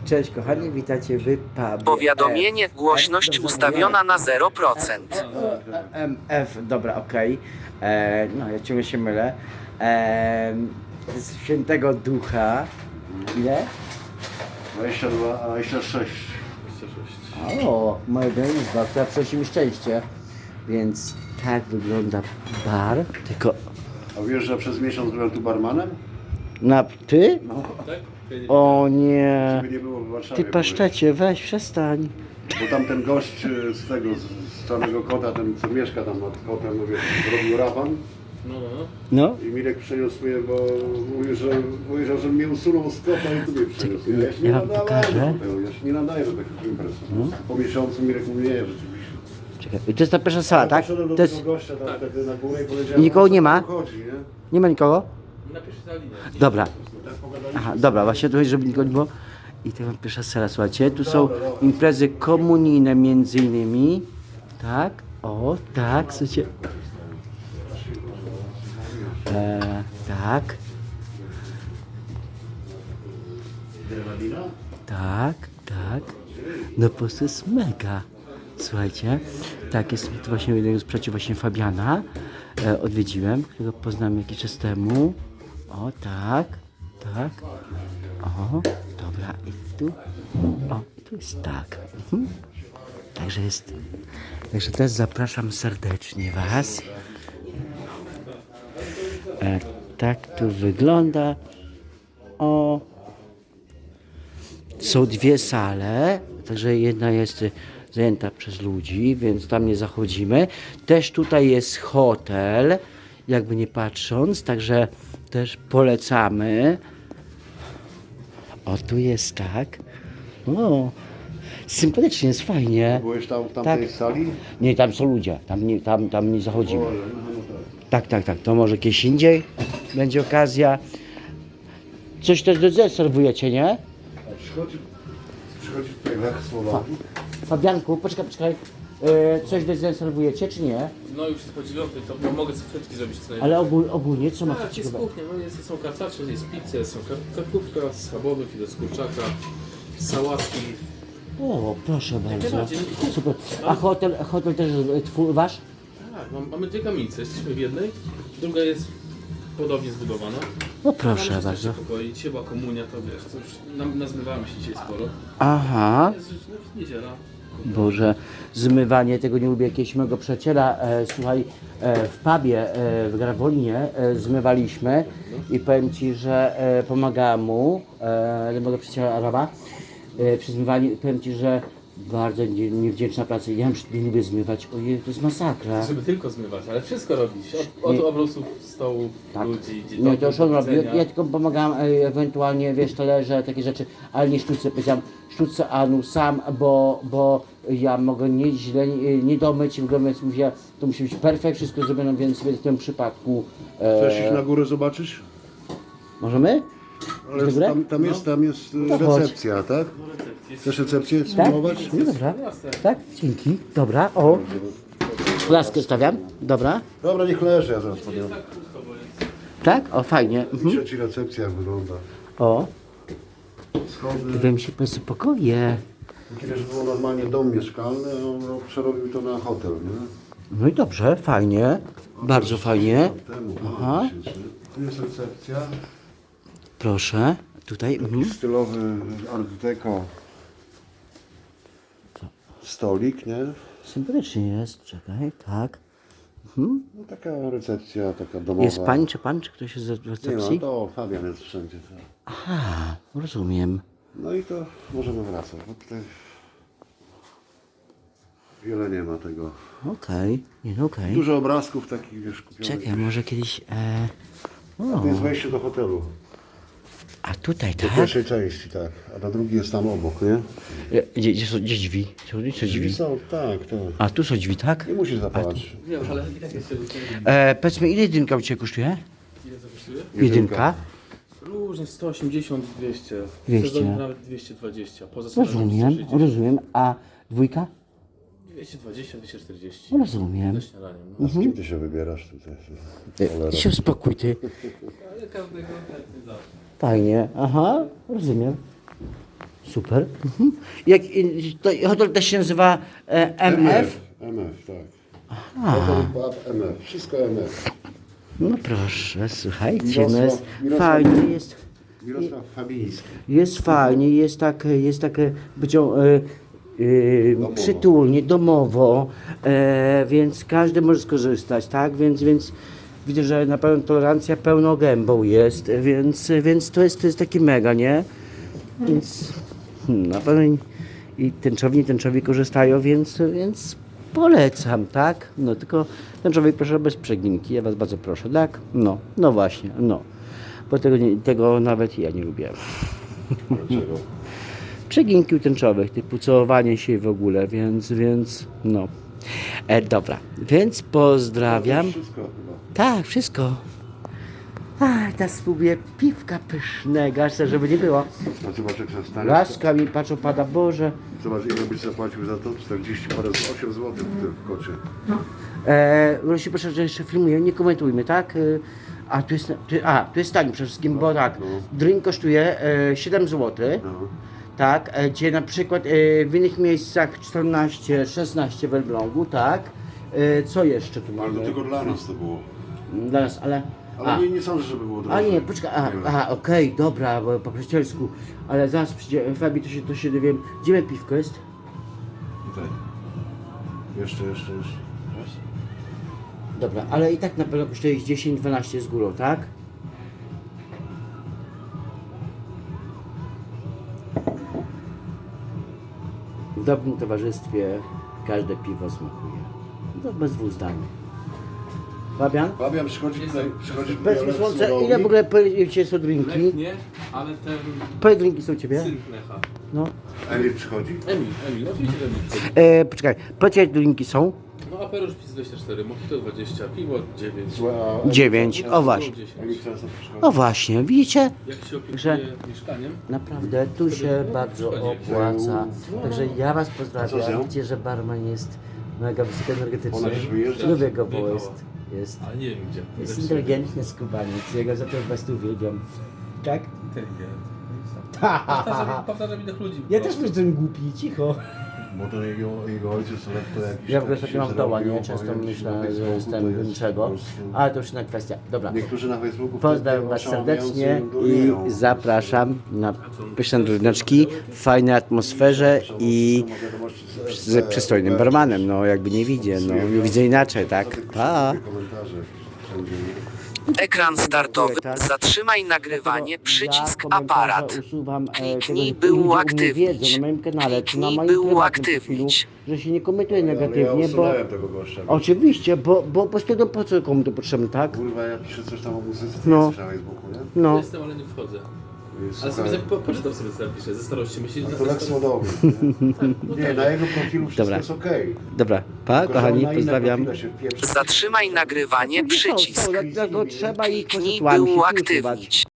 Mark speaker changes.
Speaker 1: Cześć kochani, witajcie w pubie.
Speaker 2: Powiadomienie, głośność ustawiona na 0%.
Speaker 1: F, dobra, okej. No, ja ciągle się mylę. Z Świętego Ducha. Ile?
Speaker 3: 22, a 26.
Speaker 1: O, mojego izba, która przynosi mi szczęście. Więc tak wygląda bar. Tylko
Speaker 3: A wiesz, że przez miesiąc byłem tu barmanem?
Speaker 1: na ty?
Speaker 3: No,
Speaker 1: O nie.
Speaker 3: ciebie nie było w Warszawie.
Speaker 1: Ty paszczecie, weź, przestań.
Speaker 3: Bo tam ten gość z tego, z Czarnego Kota, ten co mieszka tam nad kotem, mówię, zrobił raban.
Speaker 1: No.
Speaker 3: I Mirek przeniósł mnie, bo mówił, że mnie usunął z kota i tu mnie przeniósł. Ja się nie
Speaker 1: Ja wam
Speaker 3: nadałem
Speaker 1: pokażę.
Speaker 3: do tego, ja się nie nadaję do takich imprez. Po miesiącu Mirek mówi, nie, rzeczywiście.
Speaker 1: Czekaj, to jest ta pierwsza sala,
Speaker 3: Ja
Speaker 1: tak?
Speaker 3: poszedłem do
Speaker 1: To jest...
Speaker 3: tego gościa tam wtedy na górę i powiedziałem,
Speaker 1: Nikogo nie ma?
Speaker 3: o co tu chodzi, nie?
Speaker 1: Nie ma nikogo?
Speaker 4: Napisz na linię.
Speaker 1: Dobra.
Speaker 3: Tak pogadaliśmy.
Speaker 1: Aha, dobra, właśnie tu, żeby nikogo nie było. I to mam pierwsza sala, słuchajcie. Tu są imprezy komunijne między innymi. Tak, o, tak, słuchajcie. Tak,
Speaker 3: Grenadina?
Speaker 1: tak, tak. No po prostu jest mega. Słuchajcie, tak, jest tu właśnie jednego z przyjaciół właśnie Fabiana. Odwiedziłem, którego poznałem jakiś czas temu. O, tak, tak. O, dobra, i tu. O, i tu jest tak. Także jest. Także też zapraszam serdecznie Was. Tak tu wygląda. O. Są dwie sale, także jedna jest zajęta przez ludzi, więc tam nie zachodzimy. Też tutaj jest hotel, jakby nie patrząc, także też polecamy. O, tu jest tak. O, sympatycznie, jest fajnie.
Speaker 3: Byłeś tam w tamtej
Speaker 1: Tak.
Speaker 3: sali?
Speaker 1: Nie, tam są ludzie, tam nie zachodzimy.
Speaker 3: O, no tak.
Speaker 1: Tak, to może kiedyś indziej będzie okazja. Coś też serwujecie, nie?
Speaker 3: A przychodzi tutaj Lech Słowaków.
Speaker 1: Fabianku, poczekaj. Coś dezerwujecie, czy nie?
Speaker 4: No już jest po 9, to mogę sobie frytki zrobić co najwyżej.
Speaker 1: Ale ogólnie co macie
Speaker 4: Tak, jest
Speaker 1: ciekawe?
Speaker 4: kuchnia, no są kartacze, jest pizza, są karkówka z schabowy, filet z kurczaka, sałatki.
Speaker 1: O, proszę bardzo.
Speaker 4: najbardziej.
Speaker 1: Super. A hotel też twój, wasz?
Speaker 4: Tak, mamy dwie kamienice, jesteśmy w jednej, druga jest podobnie zbudowana.
Speaker 1: No proszę
Speaker 4: Mamy
Speaker 1: bardzo.
Speaker 4: pokoi, dzisiaj była komunia, to wiesz, to już nazmywamy się dzisiaj sporo.
Speaker 1: Aha.
Speaker 4: Jest niedziela.
Speaker 1: Boże, zmywanie, tego nie lubię. Jakiegoś mojego przyjaciela, słuchaj, w pubie w Grawolinie zmywaliśmy i powiem Ci, że pomagałem mu, mojego przyjaciela Araba, przy zmywaniu. Powiem Ci, że bardzo niewdzięczna praca. Ja nie lubię zmywać, ojej, to jest masakra.
Speaker 4: Żeby tylko zmywać, ale wszystko robić. Od obrusów, stołów,
Speaker 1: Tak.
Speaker 4: ludzi,
Speaker 1: Nie, to już on robi.
Speaker 4: jedzenia.
Speaker 1: Ja tylko pomagałem ewentualnie, wiesz, talerze, takie rzeczy, ale nie sztuce. Powiedziałem, sztuce Anu sam, bo ja mogę nie domyć i w ogóle, więc mówię, to musi być perfekt, wszystko zrobione, więc w tym przypadku
Speaker 3: Chcesz iść na górę zobaczyć?
Speaker 1: możemy?
Speaker 3: Ale
Speaker 1: do góry?
Speaker 3: tam jest
Speaker 1: chodź.
Speaker 3: recepcja, tak? Chcesz recepcję
Speaker 1: Tak?
Speaker 3: spróbować?
Speaker 1: No dobra, tak, dzięki, dobra, o. Laskę stawiam, dobra,
Speaker 3: Dobra, niech leży, ja zaraz podjąłem.
Speaker 1: tak, o fajnie,
Speaker 3: Piszę ci recepcja jak wygląda.
Speaker 1: o,
Speaker 3: Schody.
Speaker 1: wiem się po pokoje.
Speaker 3: Kiedyś było normalnie dom mieszkalny, a on przerobił to na hotel, nie?
Speaker 1: No i dobrze, fajnie, bardzo fajnie.
Speaker 3: Temu,
Speaker 1: Aha.
Speaker 3: Tu jest recepcja.
Speaker 1: Proszę, tutaj.
Speaker 3: Taki stylowy art deco stolik, nie?
Speaker 1: Sympatycznie jest, czekaj, tak.
Speaker 3: No, taka recepcja, taka domowa.
Speaker 1: Jest pani czy pan, czy ktoś jest z
Speaker 3: Nie
Speaker 1: recepcji?
Speaker 3: no, to Fabian jest wszędzie.
Speaker 1: Aha, rozumiem.
Speaker 3: No i to możemy wracać, bo tutaj wiele nie ma tego.
Speaker 1: Okej, nie no okej.
Speaker 3: Dużo obrazków takich, wiesz, kupionych.
Speaker 1: Czekaj, może kiedyś...
Speaker 3: To jest wejście do hotelu.
Speaker 1: A tutaj,
Speaker 3: Do
Speaker 1: tak?
Speaker 3: pierwszej części, tak. A na drugi jest tam obok, nie?
Speaker 1: Gdzie są drzwi? Są
Speaker 3: Drzwi
Speaker 1: drzwi?
Speaker 3: są, tak, tak.
Speaker 1: A tu są drzwi, tak?
Speaker 3: Nie musisz zapalać.
Speaker 4: Wiem, ale i tak jest się
Speaker 1: Powiedzmy, ile jedynka u Ciebie kosztuje?
Speaker 4: Ile to kosztuje?
Speaker 1: Jedynka?
Speaker 4: Różnie 180, 200.
Speaker 1: 200.
Speaker 4: W sezonie nawet 220. Poza sezonem
Speaker 1: Rozumiem,
Speaker 4: 160.
Speaker 1: rozumiem. A dwójka?
Speaker 4: 220, 240.
Speaker 1: Rozumiem.
Speaker 4: Ze śniadaniem. No.
Speaker 3: A z kim ty się wybierasz tutaj? Cholera.
Speaker 1: Ty się uspokój, ty.
Speaker 4: Ale każdego chętnie da.
Speaker 1: Fajnie, aha, rozumiem. Super. Mhm. Hotel też się nazywa MF?
Speaker 3: MF, tak. Hotel Pub MF, wszystko MF.
Speaker 1: No proszę, słuchajcie, no
Speaker 3: Mirosław-
Speaker 1: jest
Speaker 3: Mirosław-
Speaker 1: fajnie, jest.
Speaker 3: Mirosław Fabiński.
Speaker 1: Jest fajnie, jest tak przytulnie, domowo, więc każdy może skorzystać, tak? Więc widzę, że na pewno tolerancja pełną gębą jest, więc to jest taki mega, nie? Więc na pewno i tęczowi korzystają, więc polecam, tak? No tylko tęczowi proszę bez przeginki, ja was bardzo proszę, tak? No właśnie, no. Bo tego nawet ja nie lubię.
Speaker 3: Dlaczego?
Speaker 1: Przeginki u tęczowych, typu całowanie się w ogóle, więc no. Dobra, więc pozdrawiam.
Speaker 3: Wszystko chyba.
Speaker 1: Tak, wszystko. Teraz spróbuję piwka pysznego, aż tak, żeby nie było.
Speaker 3: A zobacz jak się stanie.
Speaker 1: Laska mi, patrz, opada, Boże.
Speaker 3: Zobacz ile byś zapłacił za to? 40 parę, 8 zł w tym kocie.
Speaker 1: Proszę, proszę, że jeszcze filmuję, nie komentujmy, tak? Tu jest taniej przede wszystkim, bo tak, drink kosztuje 7 zł.
Speaker 3: No.
Speaker 1: Tak, gdzie na przykład w innych miejscach 14, 16 w Elblągu, tak. Co jeszcze tu
Speaker 3: Ale
Speaker 1: mamy?
Speaker 3: to tylko dla nas to było.
Speaker 1: Dla nas, ale...
Speaker 3: Ale nie sądzę, żeby było drożej.
Speaker 1: nie, poczekaj, okej, dobra, bo po przyjacielsku, ale zaraz przyjdzie, Fabi, to się dowiem, gdzie moje piwko jest?
Speaker 3: Tutaj. Jeszcze. Raz.
Speaker 1: Dobra, ale i tak na pewno kosztuje 10-12 z górą, tak? W dobrym towarzystwie każde piwo smakuje. To bez dwóch zdań. Fabian?
Speaker 3: Fabian przychodzi tutaj
Speaker 1: Bez słońca, ile w ogóle powiecie są drinki?
Speaker 4: Lech nie, ale ten
Speaker 1: Powiedz drinki są u ciebie?
Speaker 4: syn Lecha.
Speaker 1: No.
Speaker 3: Emil przychodzi?
Speaker 4: Emil, oczywiście Emil przychodzi.
Speaker 1: Poczekaj, powiedz jakie drinki są?
Speaker 4: No Aperol Spritz 24, Mojito 20, piwo 9.
Speaker 3: Złe, a Emil
Speaker 1: 9,
Speaker 3: często-
Speaker 1: o właśnie.
Speaker 3: Emil często przychodzi.
Speaker 1: O właśnie, widzicie?
Speaker 4: Jak się opiekuje
Speaker 1: Że-
Speaker 4: mieszkaniem?
Speaker 1: Naprawdę tu się bardzo opłaca. Także ja was
Speaker 3: A co z
Speaker 1: pozdrawiam.
Speaker 3: nią?
Speaker 1: Widzicie, że barman jest mega wysokoenergetyczny.
Speaker 3: Ona już wyjeżdża?
Speaker 1: Lubię go, bo jest
Speaker 4: Ale nie wiem gdzie.
Speaker 1: jest inteligentny skubaniec. Ja go za to was tu wiedziałem. Tak?
Speaker 4: Inteligent.
Speaker 1: Ha.
Speaker 4: Powtarza widok ludzi.
Speaker 1: Ja też jestem głupi, cicho.
Speaker 3: Bo to jego ojciec lekko jakiś...
Speaker 1: Ja w ogóle
Speaker 3: tam
Speaker 1: ostatnio mam
Speaker 3: się
Speaker 1: doła,
Speaker 3: zrobił,
Speaker 1: nie? Często
Speaker 3: powiem ci,
Speaker 1: myślę,
Speaker 3: na
Speaker 1: że
Speaker 3: Facebooku
Speaker 1: jestem
Speaker 3: to jest
Speaker 1: niczego.
Speaker 3: po prostu-
Speaker 1: Ale to już inna kwestia. Dobra.
Speaker 3: Niektórzy na Facebooku...
Speaker 1: Pozdrawiam was
Speaker 3: wtedy
Speaker 1: serdecznie
Speaker 3: oszałamiający
Speaker 1: i zapraszam na pyszne dryneczki w fajnej atmosferze i z przystojnym barmanem. No jakby nie widzę, no nie widzę inaczej, tak? Pa!
Speaker 3: Komentarze wszędzie, nie?
Speaker 2: Ekran startowy. Zatrzymaj nagrywanie. Przycisk aparat. Kliknij by uaktywnić.
Speaker 1: Na moim kanale, czy na
Speaker 2: Kliknij
Speaker 1: moim
Speaker 2: by
Speaker 1: prywatnym
Speaker 2: uaktywnić.
Speaker 1: profilu, że się nie komentuje
Speaker 3: Ale ja
Speaker 1: negatywnie, bo...
Speaker 3: usunąłem tego gościa.
Speaker 1: Oczywiście, bo po prostu po co komu to potrzebne, tak?
Speaker 3: Kurwa, ja piszę coś tam o muzyce, ty
Speaker 1: No.
Speaker 3: jesteś na Facebooku, nie?
Speaker 1: No.
Speaker 4: Jestem, ale nie wchodzę. Ale
Speaker 3: Słuchaj,
Speaker 4: sobie poczytam sobie co napiszę, ze starości myślisz,
Speaker 3: to Lek Słodowy, nie? Nie, na jego profilu wszystko
Speaker 1: Dobra.
Speaker 3: jest okej.
Speaker 1: Dobra, pa,
Speaker 3: Tylko, że on
Speaker 1: kochani,
Speaker 3: na inne
Speaker 1: pozdrawiam.
Speaker 3: profile się wpieprza.
Speaker 2: Zatrzymaj nagrywanie. Przycisk.
Speaker 1: Dlatego trzeba ich
Speaker 2: Kliknij by
Speaker 1: konstytuami się tu usuwać.
Speaker 2: uaktywnić.